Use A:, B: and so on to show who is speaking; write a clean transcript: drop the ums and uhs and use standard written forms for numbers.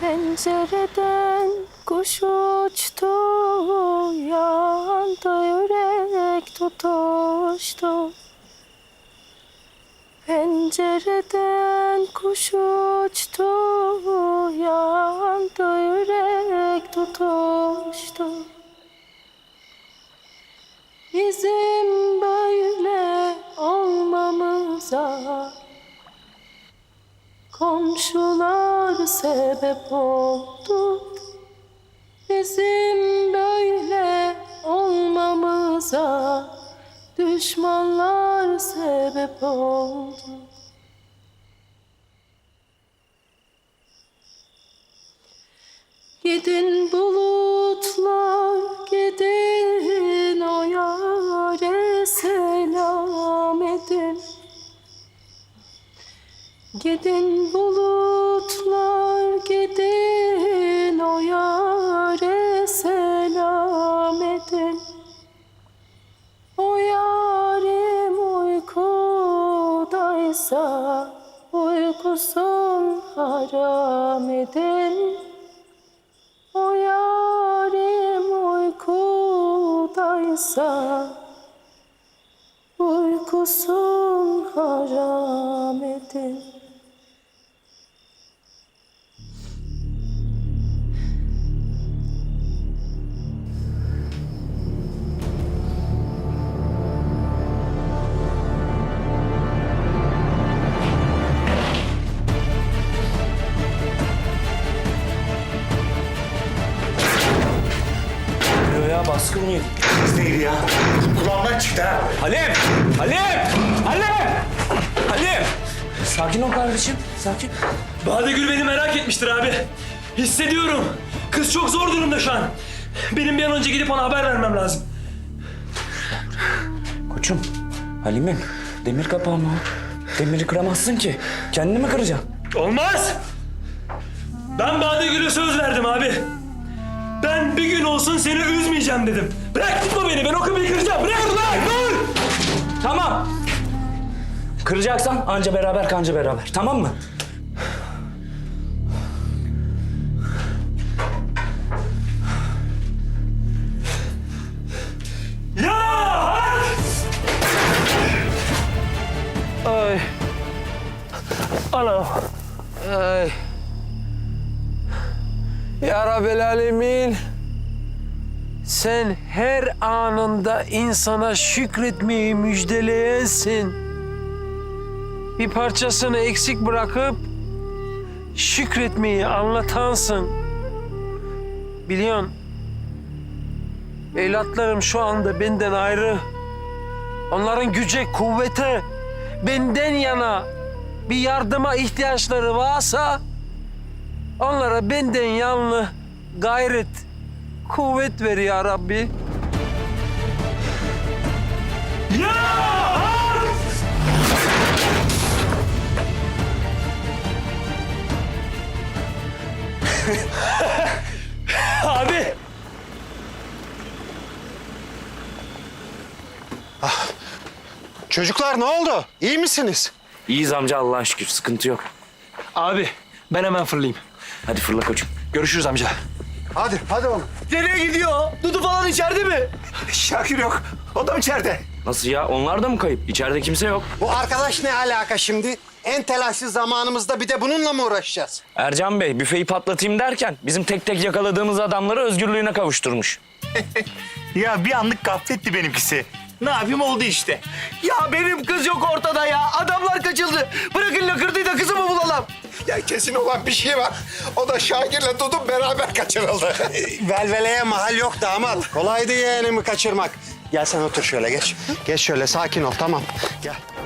A: Pencereden kuş uçtu, yanda yürek tutuştu. Pencereden kuş uçtu, yanda yürek tutuştu. Bizim böyle olmamıza komşular sebep oldu. Bizim böyle olmamıza düşmanlar sebep oldu. Gidin bulutlar, gidin o yâre selam edin. Gidin bulutlar, gidin o yâre selam edin. O yârim uykudaysa uykusun haram edin. O yârim uykudaysa uykusun haram edin.
B: Ya baskın mı yedik?
C: Kız değil ya. Kulağımdan çıktı ha.
B: Halim! Halim! Halim! Halim! Sakin ol kardeşim, sakin.
D: Badegül beni merak etmiştir abi. Hissediyorum. Kız çok zor durumda şu an. Benim bir an önce gidip ona haber vermem lazım.
B: Koçum, Halim'im demir kapağı mı o? Demiri kıramazsın ki. Kendini mi kıracaksın?
D: Olmaz! Ben Badegül'e söz verdim abi. Ben bir gün olsun seni üzmeyeceğim dedim. Bırak tutma beni, ben o kapıyı kıracağım. Bırak lan, dur!
B: Tamam. Kıracaksan anca beraber kanca beraber, tamam mı?
D: Ya!
E: Ay. Anam. Ay. Ya Rabbel Alemin. Sen her anında insana şükretmeyi müjdeleyensin. Bir parçasını eksik bırakıp şükretmeyi anlatansın. Biliyorsun, evlatlarım şu anda benden ayrı. Onların güce, kuvvete, benden yana bir yardıma ihtiyaçları varsa onlara benden yanlı gayret, kuvvet ver ya Rabbi.
D: Ya! Abi!
C: Çocuklar ne oldu? İyi misiniz?
B: İyiyiz amca Allah'a şükür, sıkıntı yok.
D: Abi, ben hemen fırlayayım.
B: Hadi fırla koçum.
D: Görüşürüz amca.
C: Hadi oğlum.
D: Nereye gidiyor? Dudu falan içeride mi?
C: Şakir yok. O da mı içeride?
B: Nasıl ya? Onlar da mı kayıp? İçeride kimse yok.
C: Bu arkadaş ne alaka şimdi? En telaşlı zamanımızda bir de bununla mı uğraşacağız?
B: Ercan Bey büfeyi patlatayım derken bizim tek tek yakaladığımız adamları özgürlüğüne kavuşturmuş.
F: Ya bir anlık gafletti benimkisi. Ne yapayım oldu işte.
G: Ya benim kız yok ortada ya. Adamlar kaçıldı. Bırakın lakırdıyı da kızımı bulalım.
C: Ya kesin olan bir şey var. O da Şakir'le Dudu beraber kaçırıldı. Velveleye mahal yok damat. Kolaydı yeğenimi kaçırmak. Gel sen otur şöyle geç. Geç şöyle sakin ol tamam. Gel.